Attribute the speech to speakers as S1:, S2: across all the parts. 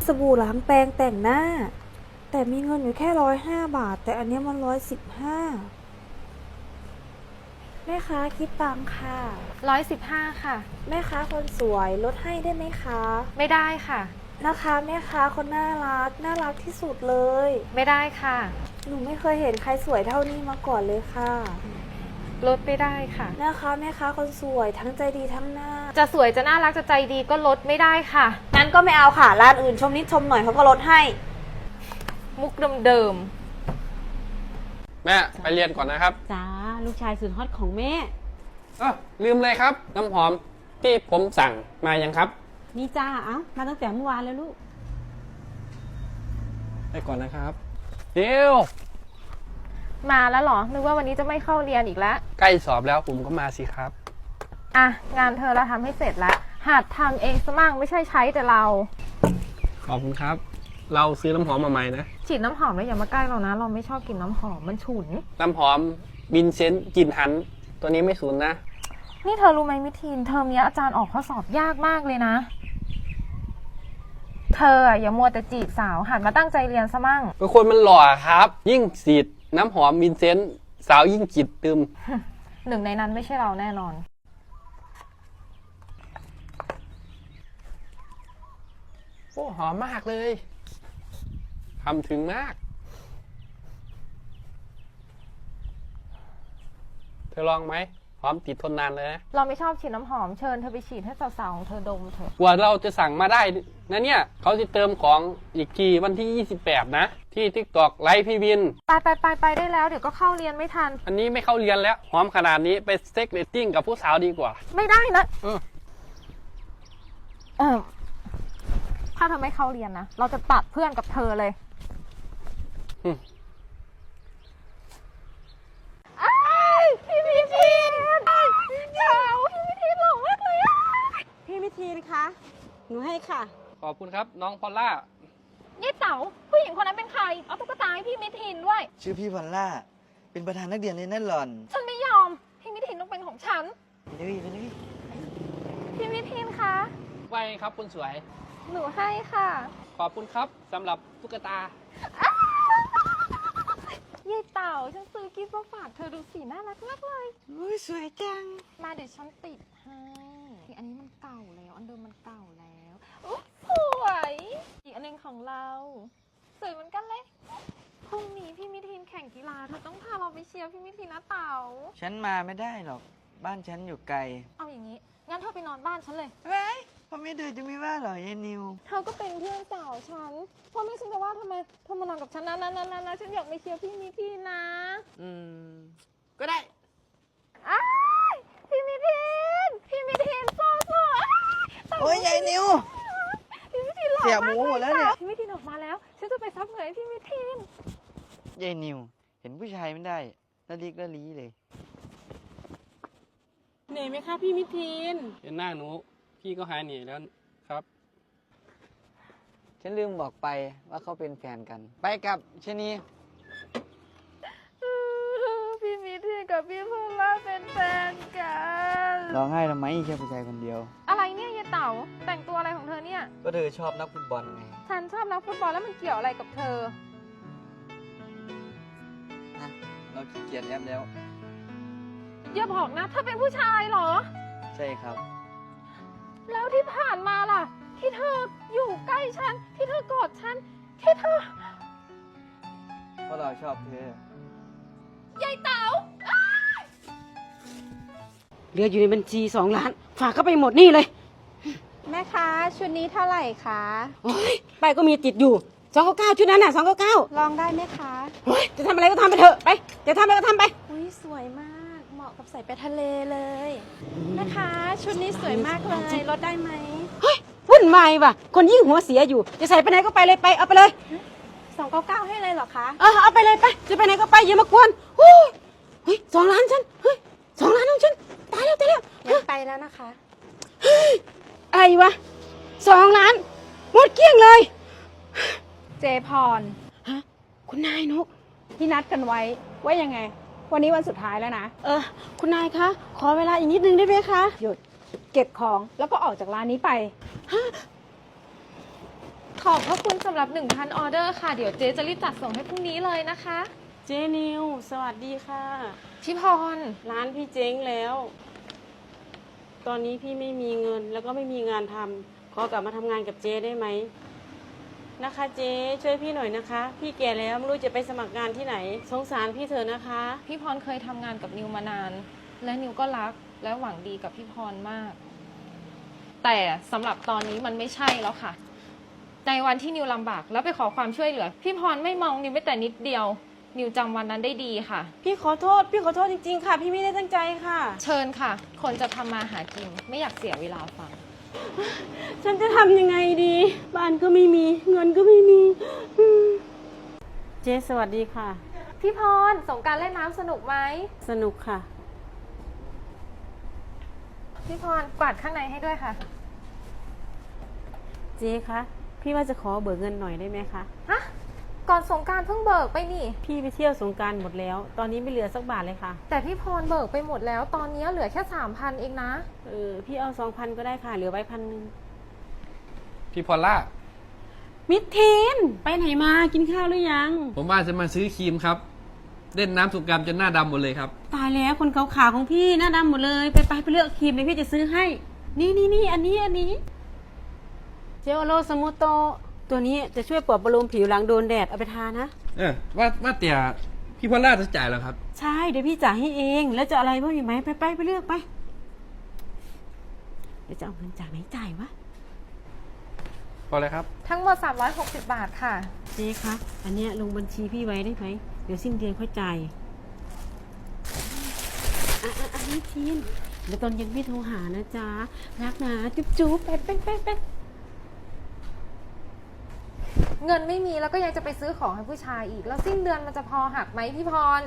S1: สบู่ล้างแปรงแต่งหน้าแต่มีเงินอยู่แค่105 บาทแต่อันนี้มัน115แม่ค้าคิดตังค่ะ
S2: 115ค่ะ
S1: แม่ค้าคนสวยลดให้ได้ไหมคะ
S2: ไม่ได้ค่ะ
S1: นะคะแม่ค้าคนน่ารักที่สุดเลย
S2: ไม่ได้ค่ะ
S1: หนูไม่เคยเห็นใครสวยเท่านี้มาก่อนเลยค่ะ
S2: ลดไม่ได้ค่ะ
S1: นะคะแม่ค้าคนสวยทั้งใจดีทั้งน่า
S2: จะสวยจะน่ารักจะใจดีก็ลดไม่ได้ค่ะ
S1: งั้นก็ไม่เอาค่ะร้านอื่นชมนิดชมหน่อยเขาก็ลดให้
S2: มุกเดิม
S3: แม่ไปเรียนก่อนนะครับ
S4: จ้าลูกชายสุดฮอตของแม่
S3: ลืมเลยครับน้ำหอมที่ผมสั่งมายังครับ
S4: นี่จ้ามาตั้งแต่เมื่อวานแล้วลูก
S3: ไปก่อนนะครับเดี๋ยว
S2: มาแล้วเหรอนึกว่าวันนี้จะไม่เข้าเรียนอีกแล้ว
S3: ใกล้สอบแล้วผมก็มาสิครับ
S2: งานเธอเราทำให้เสร็จแล้วหัดทำเองซะมั่งไม่ใช่ใช้แต่เรา
S3: ขอบคุณครับเราซื้อน้ำหอมมาใหม่นะ
S2: ฉีดน้ำหอมแล้วอย่ามาใกล้เรานะเราไม่ชอบกลิ่นน้ำหอมมันฉุน
S3: น้ำหอมบินเซนต์กลิ่นหันตัวนี้ไม่ฉุนนะ
S2: นี่เธอรู้ไหมมิทีนเทอมนี้อาจารย์ออกข้อสอบยากมากเลยนะเธออย่ามัวแต่จีบสาวหัดมาตั้งใจเรียนซะมั่ง
S3: เป็นคนมันหล่อครับยิ่งฉีดน้ำหอมบินเซนต์สาวยิ่งจิตตึม
S2: หนึ่งในนั้นไม่ใช่เราแน่นอน
S3: โอ้หอมมากเลยทำถึงมากเธอลองไหมหอมติดทนนานเลยนะ
S2: เราไม่ชอบฉีดน้ำหอมเชิญเธอไปฉีดให้สาวๆของเธอดมเถอะ
S3: กว่าเราจะสั่งมาได้นะเนี่ยเขาจะเติมของอีกทีวันที่28นะที่ TikTok ไลฟ์พี่วิน
S2: ไปได้แล้วเดี๋ยวก็เข้าเรียนไม่ทัน
S3: อันนี้ไม่เข้าเรียนแล้วหอมขนาดนี้ไปเซ็กเรตติ้งกับผู้สาวดีกว่า
S2: ไม่ได้นะถ้าเธอไม่เข้าเรียนนะเราจะตัดเพื่อนกับเธอเลยพี่มิทีนเจ้าพี่มิทีนหล่อมากเลย
S4: พี่มิทีนคะหนูให้ค่ะ
S3: ขอบคุณครับน้องพอลล่า
S2: นี่เต๋าผู้หญิงคนนั้นเป็นใครเอาตุ๊กตาให้พี่มิทีนด้วย
S5: ชื่อพี่พอลล่าเป็นประธานนักเรียนเลยนั่นหล่อน
S2: ฉันไม่ยอมพี่มิทีนต้องเป็นของฉัน
S5: ไปเลย
S2: พี่มิทีนคะ
S3: ไวครับคุณสวย
S2: หนูให้ค่ะ
S3: ขอบคุณครับสำหรับตุ๊กตา
S2: เย่เต่าฉันซื้อกิฟต์มาฝากเธอดูสีน่ารักมากเลย
S4: อุ้ยสวยจัง
S2: มาเดี๋ยวฉันติดให้อันนี้มันเก่าแล้วอันเดิมมันเก่าแล้วสวยอีกอันนึงของเราสวยเหมือนกันเลยพรุ่งนี้พี่มิทีนแข่งกีฬาเธอต้องพาเราไปเชียร์พี่มิทีนนะเต่า
S5: ฉันมาไม่ได้หรอกบ้านฉันอยู่ไกล
S2: เอาอย่างนี้งั้นเธอไปนอนบ้านฉันเลย
S5: พ่อแม่เธอจะไม่ว่าหรอยายนิว
S2: เธอก็เป็นเพื่อนสาวฉันพ่อแม่ฉันจะว่าทำไมเธอมานอนกับฉันนะฉันอยากไปเชียร์พี่มิทีนนะ
S5: ก็ได้
S2: พี่มิทีนโซ่
S5: โอ้ยยายนิว
S2: พี่มิทีนหล่อมาก
S5: เสียหมูหมดแล้วเนี่ย
S2: พี่มิทีนออกมาแล้วฉันจะไปซับเหงื่อให้พี่มิทีน
S5: ยายนิวเห็นผู้ชายไม่ได้ละลิกละลีเลย
S4: เหนื่อยไหมคะพี่มิทีน
S3: เห็นหน้าหนูพี่ก็หายเหนื่อยแล้วครับ
S5: ฉันลืมบอกไปว่าเขาเป็นแฟนกันไปกับชนี
S2: พี่มิทีนกับพี่พอลล่าเป็นแฟนกัน
S5: ร้องไห้ทำไมแค่ผู้ชายคนเดียว
S2: อะไรเนี่ยยายเต๋าแต่งตัวอะไรของเธอเนี่ย
S5: ก็เธอชอบนักฟุตบอลไง
S2: ฉันชอบนักฟุตบอลแล้วมันเกี่ยวอะไรกับเธอ
S5: เราขี้เกียจแอปแล้ว
S2: อย่าบอกนะเธอเป็นผู้ชายเหรอ
S5: ใช่ครับ
S2: แล้วที่ผ่านมาล่ะที่เธออยู่ใกล้ฉันที่เธอกอดฉันที่เธอ
S5: เพราะเราชอบเธ
S2: อยายเต๋า
S4: เหลืออยู่ในบัญชี2 ล้านฝากเข้าไปหมดนี่เลย
S1: แม่คะชุดนี้เท่าไหร่คะ
S4: โอ้ยไปก็มีติดอยู่299ชุดนั้นน่ะ299
S1: ลองได้ไหมคะ
S4: โอ้ยจะทำอะไรก็ทำไปเถอะไปจะทำอะไรก็ทำไป
S1: อุ้ยสวยมากเหมาะกับใส่ไปทะเลเลยแม่คะชุดนี้สวยมากเลยลดได้ไหม
S4: เฮ้ยวุ่นวายว่ะคนยิ่งหัวเสียอยู่จะใส่ไปไหนก็ไปเลยไปเอาไปเลย
S1: 299ให้เลยเหรอคะ
S4: เอาไปเลยไปจะไปไหนก็ไปอย่ามากวนเฮ้ย2 ล้านฉันเฮ้ย2 ล้านของฉันตายแล้ว
S1: งั้นไปแล้วนะคะ
S4: เฮ้ยอะไรวะ2 ล้านหมดเกลี้ยงเลย
S1: เจพร
S4: คุณนายนก
S1: ที่นัดกันไว้ว่ายังไงวันนี้วันสุดท้ายแล้วนะ
S4: คุณนายคะขอเวลาอีกนิดนึงได้ไหมคะ
S1: หยุดเก็บของแล้วก็ออกจากร้านนี้ไป
S2: ขอบพระคุณสำหรับ 1,000 ออเดอร์ค่ะ เดี๋ยวเจ๊จะรีบจัดส่งให้พรุ่งนี้เลยนะคะ
S4: เจนิวสวัสดีค่ะ
S2: พี่พร
S4: ร้านพี่เจ๊งแล้ว ตอนนี้พี่ไม่มีเงินแล้วก็ไม่มีงานทำขอกลับมาทำงานกับเจ๊ได้ไหมนะคะเจ๊ช่วยพี่หน่อยนะคะ พี่แก่แล้วไม่รู้จะไปสมัครงานที่ไหนสงสารพี่เถอะนะคะ
S2: พี่พรเคยทำงานกับนิวมานาน และนิวก็รักและหวังดีกับพี่พรมาก แต่สำหรับตอนนี้มันไม่ใช่แล้วค่ะ ในวันที่นิวลำบากแล้วไปขอความช่วยเหลือ พี่พรไม่มองนิวไม่แต่นิดเดียว นิวจำวันนั้นได้ดีค่ะ
S4: พี่ขอโทษจริงๆค่ะ พี่ไม่ได้ตั้งใจค่ะ
S2: เชิญค่ะ คนจะทำมาหากินไม่อยากเสียเวลาฟัง
S4: ฉันจะทำยังไงดี บ้านก็ไม่มีเงินก็ไม่มีเจ๊สวัสดีค่ะ
S2: พี่พรสงกรานต์เล่นน้ำสนุกไหม
S4: สนุกค่ะ
S2: พี่พรกวาดข้างในให้ด้วยค่ะ
S4: เจ๊คะพี่ว่าจะขอเบิกเงินหน่อยได้ไหมคะ
S2: ฮะ ก่อนสงกรานต์เพิ่งเบิกไปนี่
S4: พี่ไปเที่ยวสงกรานต์หมดแล้ว ตอนนี้ไม่เหลือสักบาทเลยค่ะ
S2: แต่พี่พรเบิกไปหมดแล้ว ตอนนี้เหลือแค่ 3,000 เองนะ
S4: พี่เอา2,000ก็ได้ค่ะ เหลือไว้1,000
S3: พี่พอลล่า
S4: มิดทีนไปไหนมากินข้าวหรือยัง
S3: ผมว่าจะมาซื้อครีมครับ เล่นน้ำสงกรานต์จนหน้าดำหมดเลยครับ
S4: ตายแล้วคนขาวๆของพี่หน้าดำหมดเลย ไปเลือกครีมเลยพี่จะซื้อให้ นี่อันนี้เจลโลสมูโตตัวนี้จะช่วยปลอบประโลมผิวหลังโดนแดดเอาไปทานะ
S3: ว่าแต่พี่พอลล่าจะจ่ายแล้วครับ
S4: ใช่เดี๋ยวพี่จ่ายให้เองแล้วจะอะไรบ้างอีกไหมไปเลือกไปเดี๋ยวจะเอาเงินจากไหนจ่ายวะ
S3: พอเลยครับ
S2: ทั้งหมด 360 บาทค่ะ
S4: เจ๊คะอันเนี้ยลงบัญชีพี่ไว้ได้ไหมเดี๋ยวสิ้นเดือนค่อยจ่ายอันนี้ทีนเดี๋ยวตอนเย็นพี่โทรหานะจ๊ะรักนะจุ๊บไป
S2: เงินไม่มีแล้วก็ยังจะไปซื้อของให้ผู้ชายอีก แล้วสิ้นเดือนมันจะพอหักไหมพี่พร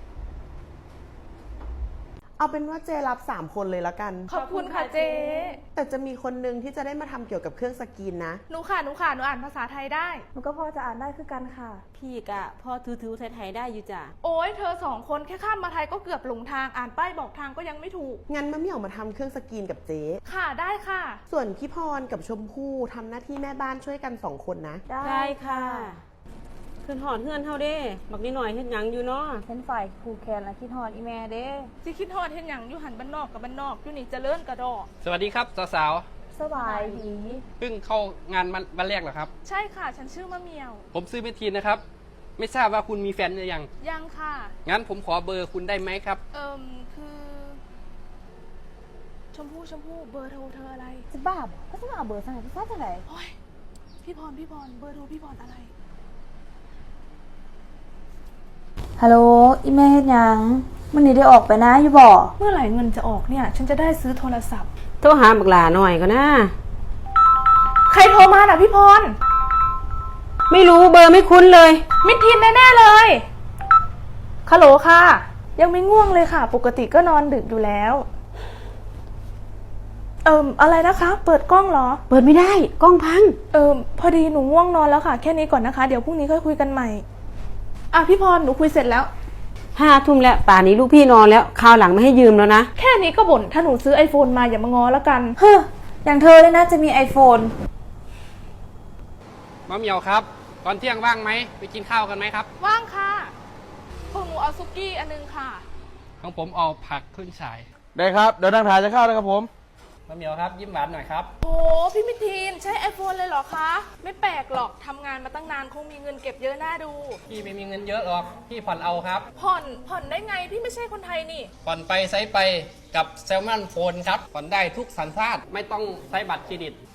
S6: เอาเป็นว่าเจรับ3 คนเลยละกัน
S2: ขอบคุณค่ะเจ๊
S6: แต่จะมีคนนึงที่จะได้มาทำเกี่ยวกับเครื่องสกรีนนะ
S7: หนูค่ะ หนูอ่านภาษาไทยได้
S1: หนูก็พอจะอ่านได้คือกันค่ะ
S4: พี่กะพอถือไทยๆได้อยู่จ้ะ
S7: โอ้ยเธอ2 คนแค่ข้ามมาไทยก็เกือบหลงทาง อ่านป้ายบอกทางก็ยังไม่ถูก
S6: งั้นมะเหมี่ยวมาทำเครื่องสกรีนกับเจ๊
S7: ค่ะ ได้ค่ะ
S6: ส่วนพี่พรกับชมพู่ทำหน้าที่แม่บ้านช่วยกัน2 คนนะ
S4: ได้ค่ะขึ้นหอดเฮือนเฮาเด้บักนิดหน่อยเฮ็ดหยังอยู่เนาะ
S1: เป็นฝ่ายครูแคนและคิดฮอดอีแม่เด้
S7: สิคิดฮอดเห็นอย่างอยู่หันบ้านนอกกับบ้านนอกอยู่นี่เจริญกระดอก
S3: สวัสดีครับสาว
S1: สบายดี
S3: ๆเพิ่งเข้างานวันแรกเหรอครับ
S7: ใช่ค่ะ ฉันชื่อมะเหมียว
S3: ผมซื้อเมทีนนะครับ ไม่ทราบว่าคุณมีแฟนหรือยัง
S7: ยังค่ะ
S3: งั้นผมขอเบอร์คุณได้ไหมครับ
S7: คือ ชมพู่เบอร์โทรเธออะไร
S1: จะบ้าบ่ก็จะมาเอาเบอร์สั่งพี่ซ่าจะไหน
S7: โอ้ยพี่พรเบอร์โทรพี่พรอะไร
S1: ฮัลโหลอีแม่เฮ็ดหยังมันนี่ได้ออกไปนะอยู่บ่
S7: เมื่อไหร่เงินจะออกเนี่ย ฉันจะได้ซื้อโทรศัพท์
S4: โทรหาบักหลาหน่อยก็นะ
S7: ใครโทรมาน่ะพี่พร
S4: ไม่รู้เบอร์ไม่คุ้นเลย
S7: มิดทินแน่ๆเลยฮัลโหลค่ะ ยังไม่ง่วงเลยค่ะ ปกติก็นอนดึกอยู่แล้ว อะไรนะคะ เปิดกล้องเหรอ
S4: เปิดไม่ได้กล้องพัง
S7: พอดีหนูง่วงนอนแล้วค่ะ แค่นี้ก่อนนะคะ เดี๋ยวพรุ่งนี้ค่อยคุยกันใหม่ อ่ะพี่พร หนูคุยเสร็จแล้ว
S4: 5 ทุ่มแล้วป่านนี้ลูกพี่นอนแล้วคราวหลังไม่ให้ยืมแล้วนะ
S7: แค่นี้ก็บ่น ถ้าหนูซื้อ iPhone มาอย่ามางอแล้วกัน
S1: เฮ้ออย่างเธอเลยนะจะมี iPhone
S3: มะเหมียวครับ ตอนเที่ยงว่างไหม ไปกินข้าวกันไหมครับ
S7: ว่างค่ะพวกหนูเอาซุกี้อันนึงค่ะ
S3: ของผมเอาผักขึ้นฉาย
S8: ได้ครับ เดี๋ยวนั่งถ่ายจะเข้าแล้วครับผม
S3: มะเหมียวครับ ยิ้มหวานหน่อยครับ
S7: โอ้พี่มิทีนใช้ iPhone เลยเหรอคะ ไม่แปลกหรอกทำงานมาตั้งนานคงมีเงินเก็บเยอะน่าดู
S3: พี่ไม่มีเงินเยอะหรอก พี่ผ่อนเอาครับ
S7: ผ่อนได้ไงพี่ไม่ใช่คนไทยนี่
S3: ผ่อนไปใช้ไปกับแซลมอนโฟนครับ ผ่อนได้ทุกสัญชาติ ไม่ต้องใช้บัตรเครดิต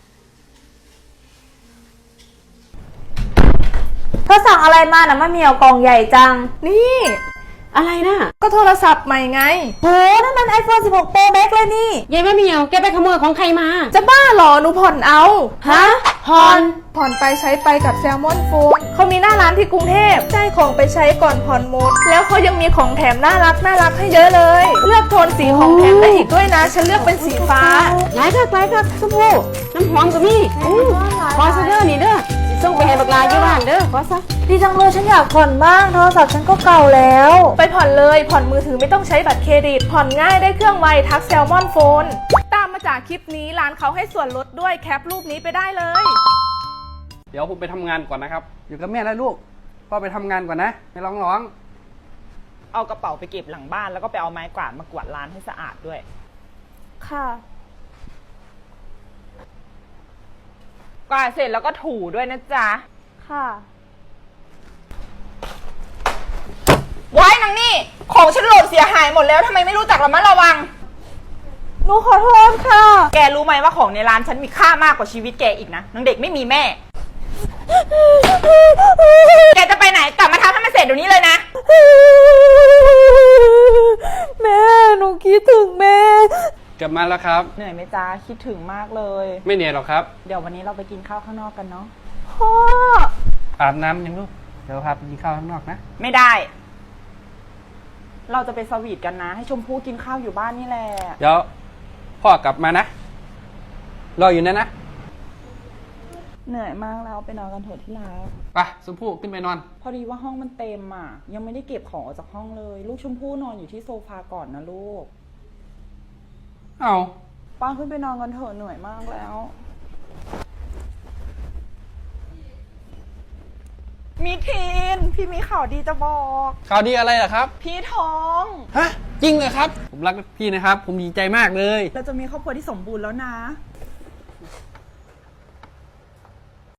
S1: เธอสั่งอะไรมานะมะเหมียวกล่องใหญ่จัง
S7: นี่
S4: อะไรนะ
S7: ก็โทรศัพท์ใหม่ไง
S1: โหนั่นมัน iPhone 16 Pro Max เลยนี่
S4: ยายแม่เหมียวแกไปขโมยของใครมา
S7: จะบ้าเหรอหนูผ่อนเอา
S1: ฮะ
S7: ผ่อนไปใช้ไปกับแซลมอนโฟนเขามีหน้าร้านที่กรุงเทพได้ของไปใช้ก่อนผ่อนหมด แล้วเขายังมีของแถมน่ารักให้เยอะเลย เลือกโทนสีของแถมได้อีกด้วยนะ ฉันเลือกเป็นสีฟ้า
S4: หลายคักชมพู่น้ำหอมก็มีขอซะเด้อนี่เด้อสิส่งไปให้บักหลาอยู่บ้านเด้อขอซะ
S1: ดีจังเลยฉันอยากผ่อนบ้างโทรศัพท์ฉันก็เก่าแล้ว
S7: ไปผ่อนเลยผ่อนมือถือไม่ต้องใช้บัตรเครดิต ผ่อนง่ายได้เครื่องไวทักแซลมอนโฟน ตามมาจากคลิปนี้ร้านเขาให้ส่วนลดด้วยแคปรูปนี้ไปได้เลย
S3: เดี๋ยวผมไปทำงานก่อนนะครับ อยู่กับแม่แล้วลูก พ่อไปทำงานก่อนนะ ไม่ร้อง
S9: เอากระเป๋าไปเก็บหลังบ้านแล้วก็ไปเอาไม้กวาดมากวาดร้านให้สะอาดด้วย
S7: ค่ะ
S9: กวาดเสร็จแล้วก็ถูด้วยนะจ๊ะ
S7: ค่ะ
S9: ว้ายนางนี่ ของฉันหล่นเสียหายหมดแล้วทำไมไม่รู้จักระมัดระวัง
S7: หนูขอโทษค่ะ
S9: แกรู้ไหมว่าของในร้านฉันมีค่ามากกว่าชีวิตแกอีกนะนางเด็กไม่มีแม่ แกจะไปไหนกลับมาทำให้มันเสร็จเดี๋ยวนี้เลยนะ
S7: แม่หนูคิดถึงแม่
S3: ๆ กลับมาแล้วครับ
S9: เหนื่อยไหมจ๊ะคิดถึงมากเลย
S3: ไม่เหนื่อยหรอกครับ
S9: เดี๋ยววันนี้เราไปกินข้าวข้างนอกกันเนาะ
S7: พ่อ
S3: อาบน้ำยังลูก เดี๋ยวพาไปกินข้าวข้างนอกนะ
S9: ไม่ได้ เราจะไปสวีทกันนะ ให้ชมพู่กินข้าวอยู่บ้านนี่แหละ
S3: เดี๋ยวพ่อกลับมานะ รออยู่นั่นนะ
S9: เหนื่อยมากแล้วไปนอนกันเถอะที่รัก
S3: ไปชมพู่ขึ้นไปนอน
S9: พอดีว่าห้องมันเต็มอ่ะ ยังไม่ได้เก็บของออกจากห้องเลย ลูกชมพู่นอนอยู่ที่โซฟาก่อนนะลูก
S3: เอา
S9: ป้าขึ้นไปนอนกันเถอะเหนื่อยมากแล้ว มีทีน พี่มีข่าวดีจะบอก
S3: ข่าวดีอะไรล่ะครับ
S9: พี่ท้อง
S3: ฮะ จริงเหรอครับ ผมรักพี่นะครับ ผมดีใจมากเลย
S9: เราจะมีครอบครัวที่สมบูรณ์แล้วนะ